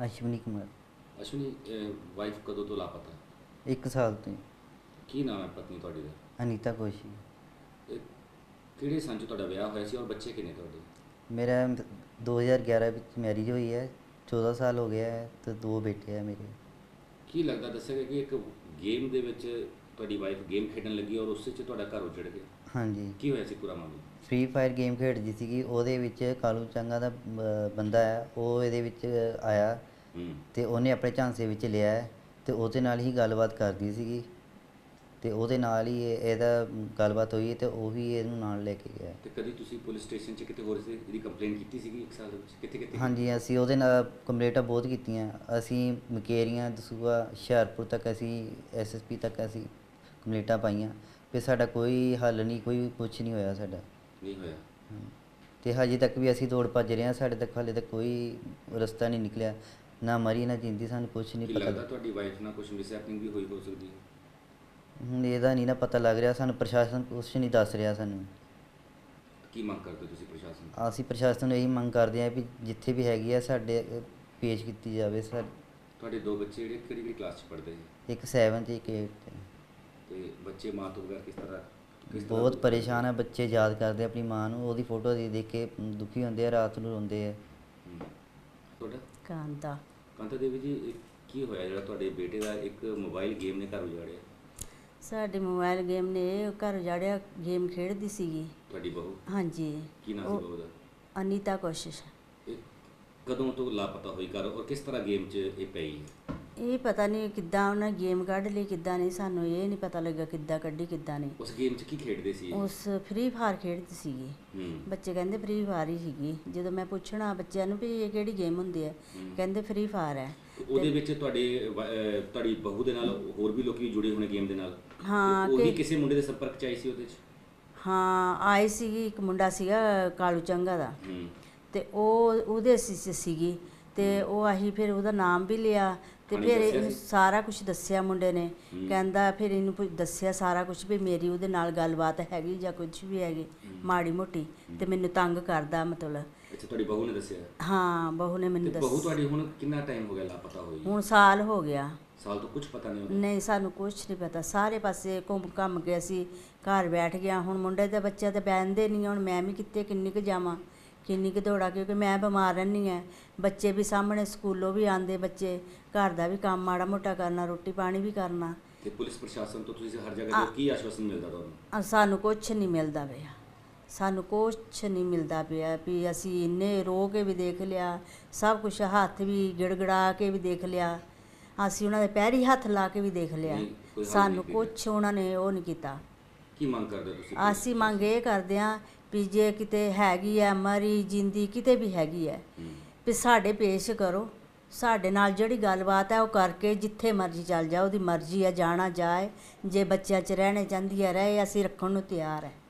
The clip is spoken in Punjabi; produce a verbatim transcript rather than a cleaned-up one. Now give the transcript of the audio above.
ਅਸ਼ਵਨੀ ਕੁਮਾਰ। ਅਸ਼ਵਨੀ ਵਾਈਫ ਕਦੋਂ ਤੋਂ ਲਾਪਤਾ? ਇੱਕ ਸਾਲ ਤੋਂ ਹੀ। ਕੀ ਨਾਮ ਹੈ ਪਤਨੀ ਤੁਹਾਡੀ ਦਾ? ਅਨੀਤਾ ਕੋਸ਼ੀ। ਇਹ ਕਿਹੜੇ ਸੰਨ 'ਚ ਤੁਹਾਡਾ ਵਿਆਹ ਹੋਇਆ ਸੀ ਔਰ ਬੱਚੇ ਕਿੰਨੇ ਤੁਹਾਡੇ? ਮੇਰਾ ਦੋ ਹਜ਼ਾਰ ਗਿਆਰਾਂ ਵਿੱਚ ਮੈਰਿਜ ਹੋਈ ਹੈ, ਚੌਦਾਂ ਸਾਲ ਹੋ ਗਿਆ ਹੈ ਅਤੇ ਦੋ ਬੇਟੇ ਹੈ ਮੇਰੇ। ਕੀ ਲੱਗਦਾ, ਦੱਸਿਆ ਗਿਆ ਕਿ ਇੱਕ ਗੇਮ ਦੇ ਵਿੱਚ ਤੁਹਾਡੀ ਵਾਈਫ ਗੇਮ ਖੇਡਣ ਲੱਗੀ ਔਰ ਉਸ 'ਚ ਤੁਹਾਡਾ ਘਰ ਉਜੜ ਗਿਆ? ਹਾਂਜੀ। ਕੀ ਹੋਇਆ ਸੀ ਪੂਰਾ ਮਾਮਲਾ? ਫ੍ਰੀ ਫਾਇਰ ਗੇਮ ਖੇਡਦੀ ਸੀਗੀ, ਉਹਦੇ ਵਿੱਚ ਕਾਲੂ ਚੰਗਾ ਦਾ ਬ- ਬੰਦਾ ਹੈ, ਉਹ ਇਹਦੇ ਵਿੱਚ ਆਇਆ ਹੂੰ ਅਤੇ ਉਹਨੇ ਆਪਣੇ ਝਾਂਸੇ ਵਿੱਚ ਲਿਆ ਹੈ ਅਤੇ ਉਹਦੇ ਨਾਲ ਹੀ ਗੱਲਬਾਤ ਕਰਦੀ ਸੀਗੀ ਅਤੇ ਉਹਦੇ ਨਾਲ ਹੀ ਇਹ- ਇਹਦਾ ਗੱਲਬਾਤ ਹੋਈ ਅਤੇ ਉਹ ਵੀ ਇਹਨੂੰ ਨਾਲ ਲੈ ਕੇ ਗਿਆ। ਤੇ ਕਦੀ ਤੁਸੀਂ ਪੁਲਿਸ ਸਟੇਸ਼ਨ 'ਚ ਕਿਤੇ ਹੋਰ ਸੀ ਇਹਦੀ ਕੰਪਲੇਂਟ ਕੀਤੀ ਸੀਗੀ ਇੱਕ ਸਾਲ ਦੇ ਵਿੱਚ? ਕਿੱਥੇ ਕਿੱਥੇ? ਹਾਂਜੀ, ਅਸੀਂ ਉਹਦੇ ਨਾਲ ਕੰਪਲੇਂਟਾਂ ਬਹੁਤ ਕੀਤੀਆਂ। ਅਸੀਂ ਮਕੇਰੀਆਂ, ਦਸੂਹਾ, ਹੁਸ਼ਿਆਰਪੁਰ ਤੱਕ ਅਸੀਂ ਐਸ ਐਸ ਪੀ ਤੱਕ ਅਸੀਂ ਕੰਪਲੇਂਟਾਂ ਪਾਈਆਂ, ਫਿਰ ਸਾਡਾ ਕੋਈ ਹੱਲ ਨਹੀਂ, ਕੋਈ ਕੁਛ ਨਹੀਂ ਹੋਇਆ ਸਾਡਾ। ਨਹੀਂ ਹੋਇਆ? ਅਤੇ ਹਜੇ ਤੱਕ ਵੀ ਅਸੀਂ ਦੌੜ ਭੱਜ ਰਹੇ ਹਾਂ, ਸਾਡੇ ਤੱਕ ਹਾਲੇ ਤੱਕ ਕੋਈ ਰਸਤਾ ਨਹੀਂ ਨਿਕਲਿਆ, ਨਾ ਮਰੀ ਨਾ ਜਿੰਦੀ, ਸਾਨੂੰ ਕੁਛ ਨਹੀਂ ਕੀ ਪਤਾ। ਲੱਗਦਾ ਤੁਹਾਡੀ ਵਾਈਫ ਨਾਲ ਕੁਝ ਮਿਸਹੈਪਨਿੰਗ ਵੀ ਹੋਈ ਹੋ ਸਕਦੀ ਹੈ? ਹੁਣ ਇਹਦਾ ਨਹੀਂ ਨਾ ਪਤਾ ਲੱਗ ਰਿਹਾ ਸਾਨੂੰ, ਪ੍ਰਸ਼ਾਸਨ ਕੁਛ ਨਹੀਂ ਦੱਸ ਰਿਹਾ ਸਾਨੂੰ। ਕੀ ਮੰਗ ਕਰਦੇ ਹੋ ਤੁਸੀਂ ਪ੍ਰਸ਼ਾਸਨ ਤੋਂ? ਅਸੀਂ ਪ੍ਰਸ਼ਾਸਨ ਨੂੰ ਇਹੀ ਮੰਗ ਕਰਦੇ ਹਾਂ ਵੀ ਜਿੱਥੇ ਵੀ ਹੈਗੀ ਆ ਸਾਡੇ ਅ, ਪੇਸ਼ ਕੀਤੀ ਜਾਵੇ। ਸਰ, ਤੁਹਾਡੇ ਦੋ ਬੱਚੇ ਜਿਹੜੇ ਕਿਹੜੀ ਕਿਹੜੀ ਕਲਾਸ 'ਚ ਪੜ੍ਹਦੇ ਹੈ? ਇੱਕ ਸੈਵਨ 'ਚ ਇੱਕ ਏਟ 'ਚ। ਤੇ ਬੱਚੇ ਮਾਂ ਤੋਂ ਬਗੈਰ ਕਿਸ ਤਰ੍ਹਾਂ ਕਿਸ ਤਰ੍ਹਾਂ ਬਹੁਤ ਦੂਰ ਪਰੇਸ਼ਾਨ ਹੈ ਬੱਚੇ, ਯਾਦ ਕਰਦੇ ਆਪਣੀ ਮਾਂ ਨੂੰ, ਉਹਦੀ ਫੋਟੋ ਦੇਖ ਦੇਖ ਕੇ ਦੁਖੀ ਹੁੰਦੇ ਆ, ਰਾਤ ਨੂੰ ਰੋਂਦੇ ਆ। ਹੂੰ। ਤੁਹਾਡਾ? ਕਾਂਤਾ। ਕਾਂਤਾ ਦੇਵੀ ਜੀ, ਇਹ ਕੀ ਹੋਇਆ ਜਿਹੜਾ ਤੁਹਾਡੇ ਬੇਟੇ ਦਾ ਇੱਕ ਮੋਬਾਈਲ ਗੇਮ ਨੇ ਘਰ ਉਜਾੜਿਆ? ਸਾਡੇ ਮੋਬਾਈਲ ਗੇਮ ਨੇ ਇਹ ਘਰ ਉਜਾੜਿਆ। ਗੇਮ ਖੇਡਦੀ ਸੀਗੀ। ਤੁਹਾਡੀ ਬਹੂ? ਹਾਂਜੀ। ਕੀ ਨਾਮ ਉਹ ਸੀ ਬਹੂ ਦਾ? ਅਨੀਤਾ ਕੋਸ਼ਿਸ਼। ਇਹ ਕਦੋਂ ਤੋਂ ਲਾਪਤਾ ਹੋਈ ਘਰ ਔਰ ਕਿਸ ਤਰ੍ਹਾਂ ਗੇਮ 'ਚ ਇਹ ਪਈ ਹੈ? ਇਹ ਪਤਾ ਨਹੀਂ ਕਿੱਦਾਂ ਉਹਨਾਂ ਗੇਮ ਕੱਢ ਲਈ, ਕਿੱਦਾਂ ਨਹੀਂ, ਸਾਨੂੰ ਇਹ ਨਹੀਂ ਪਤਾ ਲੱਗਾ ਕਿੱਦਾਂ ਕੱਢੀ ਕਿੱਦਾਂ ਨਹੀਂ। ਉਸ ਗੇਮ 'ਚ ਕੀ ਖੇਡਦੇ ਸੀ ਇਹ? ਉਸ ਫ੍ਰੀ ਫਾਇਰ ਖੇਡਦੀ ਸੀਗੀ। ਹੂੰ ਬੱਚੇ ਕਹਿੰਦੇ ਫ੍ਰੀ ਫਾਇਰ ਹੀ ਸੀਗੀ। ਜਦੋਂ ਮੈਂ ਪੁੱਛਣਾ ਬੱਚਿਆਂ ਨੂੰ ਵੀ ਇਹ ਕਿਹੜੀ ਗੇਮ ਹੁੰਦੀ ਹੈ, ਹੂੰ। ਕਹਿੰਦੇ ਫ੍ਰੀ ਫਾਇਰ ਹੈ। ਤੇ ਉਹਦੇ ਵਿੱਚ ਤੁਹਾਡੇ ਵ- ਅਹ ਤੁਹਾਡੀ ਬਹੂ ਦੇ ਨਾਲ ਹੋਰ ਵੀ ਲੋਕੀ ਜੁੜੇ ਹੋਣੇ ਗੇਮ ਦੇ ਨਾਲ? ਹਾਂ, ਉਹ ਵੀ ਕਿ- ਕਿਸੇ ਮੁੰਡੇ ਦੇ ਸੰਪਰਕ 'ਚ ਆਈ ਸੀ ਉਹਦੇ 'ਚ? ਹਾਂ, ਆਈ ਸੀਗੀ। ਇੱਕ ਮੁੰਡਾ ਸੀਗਾ ਕਾਲੂ ਚੰਗਾ ਦਾ, ਹੂੰ ਤੇ ਉਹ ਉਹਦੇ ਸੀ ਸੀ- ਸੀਗੀ ਤੇ ਉਹ ਅਸੀਂ ਫਿਰ ਉਹਦਾ ਨਾਮ ਵੀ ਲਿਆ ਤੇ ਉਹਨੇ ਫਿਰ ਦੱਸਿਆ ਇਹਨੂੰ ਸੀ? ਸਾਰਾ ਕੁਝ ਦੱਸਿਆ ਮੁੰਡੇ ਨੇ। ਹੂੰ। ਕਹਿੰਦਾ ਫਿਰ ਇਹਨੂੰ ਪੁ- ਦੱਸਿਆ ਸਾਰਾ ਕੁਝ ਵੀ ਮੇਰੀ ਉਹਦੇ ਨਾਲ ਗੱਲਬਾਤ ਹੈਗੀ ਜਾਂ ਕੁਝ ਵੀ ਹੈਗੀ ਹੂੰ। ਮਾੜੀ ਮੋਟੀ, ਤੇ ਮੈਨੂੰ ਤੰਗ ਕਰਦਾ ਮਤਲਬ। ਅੱਛਾ, ਤੁਹਾਡੀ ਬਹੂ ਨੇ ਦੱਸਿਆ? ਹਾਂ, ਬਹੂ ਨੇ ਮੈਨੂੰ ਤੇ ਬਹੂ ਦੱਸ। ਤੁਹਾਡੀ ਹੁਣ ਕਿੰਨਾ ਟਾਈਮ ਹੋ ਗਿਆ ਲਾਪਤਾ ਹੋਈ? ਹੁਣ ਸਾਲ ਹੋ ਗਿਆ। ਸਾਲ ਤੋਂ ਕੁਝ ਪਤਾ ਨਹੀਂ ਉਹਦਾ? ਨਹੀਂ, ਸਾਨੂੰ ਕੁਝ ਨਹੀਂ ਪਤਾ। ਸਾਰੇ ਪਾਸੇ ਘੁੰਮ ਘੰਮ ਕੇ ਅਸੀਂ ਘਰ ਬੈਠ ਗਿਆ। ਹੁਣ ਮੁੰਡੇ ਦੇ ਬੱਚੇ ਤੇ ਬਹਿੰਦੇ ਨਹੀਂ, ਹੁਣ ਮੈਂ ਵੀ ਕਿੱਥੇ ਕਿੰਨੀ ਕੁ ਜਾਵਾਂ, ਕਿੰਨੀ ਕੁ ਦੌੜਾਂ, ਕਿਉਂਕਿ ਮੈਂ ਬਿਮਾਰ ਰਹਿੰਦੀ ਹਾਂ। ਬੱਚੇ ਵੀ ਸਾਹਮਣੇ ਸਕੂਲੋਂ ਵੀ ਆਉਂਦੇ ਬੱਚੇ, ਘਰ ਦਾ ਵੀ ਕੰਮ ਮਾੜਾ ਮੋਟਾ ਕਰਨਾ, ਰੋਟੀ ਪਾਣੀ ਵੀ ਕਰਨਾ। ਤੇ ਪੁਲਿਸ ਪ੍ਰਸ਼ਾਸਨ ਤੋਂ ਤੁਸੀਂ ਹਰ ਜਗ੍ਹਾ ਤੇ ਕੀ ਆਸ਼ਵਾਸਨ ਮਿਲਦਾ ਤੁਹਾਨੂੰ? ਅ, ਸਾਨੂੰ ਕੁਛ ਨਹੀਂ ਮਿਲਦਾ ਪਿਆ, ਸਾਨੂੰ ਕੁਛ ਨਹੀਂ ਮਿਲਦਾ ਪਿਆ ਵੀ ਅਸੀਂ ਇੰਨੇ ਰੋ ਕੇ ਵੀ ਦੇਖ ਲਿਆ, ਸਭ ਕੁਝ ਹੱਥ ਵੀ ਗਿੜਗੜਾ ਕੇ ਵੀ ਦੇਖ ਲਿਆ, ਅਸੀਂ ਉਹਨਾਂ ਦੇ ਪੈਰੀ ਹੱਥ ਲਾ ਕੇ ਵੀ ਦੇਖ ਲਿਆ, ਨਹੀਂ, ਕੋਈ ਹੱਲ ਸਾਨੂੰ ਨਹੀਂ ਕੀਤਾ। ਕੁਛ ਉਹਨਾਂ ਨੇ ਉਹ ਨਹੀਂ ਕੀਤਾ। ਕੀ ਮੰਗ ਕਰਦੇ ਹੋ ਤੁਸੀਂ? ਅਸੀਂ ਮੰਗ ਇਹ ਕਰਦੇ ਹਾਂ ਵੀ ਜੇ ਕਿਤੇ ਹੈਗੀ ਹੈ ਮਰੀ ਜਿੰਦੀ, ਕਿਤੇ ਵੀ ਹੈਗੀ ਹੈ, ਹੂੰ। ਵੀ ਸਾਡੇ ਪੇਸ਼ ਕਰੋ। ਸਾਡੇ ਨਾਲ ਜਿਹੜੀ ਗੱਲਬਾਤ ਹੈ ਉਹ ਕਰਕੇ ਜਿੱਥੇ ਮਰਜ਼ੀ ਚੱਲ ਜਾ, ਉਹਦੀ ਮਰਜ਼ੀ ਹੈ, ਜਾਣਾ ਜਾਏ। ਜੇ ਬੱਚਿਆਂ 'ਚ ਰਹਿਣੇ ਚਾਹੁੰਦੀ ਹੈ ਰਹੇ, ਅਸੀਂ ਰੱਖਣ ਨੂੰ ਤਿਆਰ ਹੈ।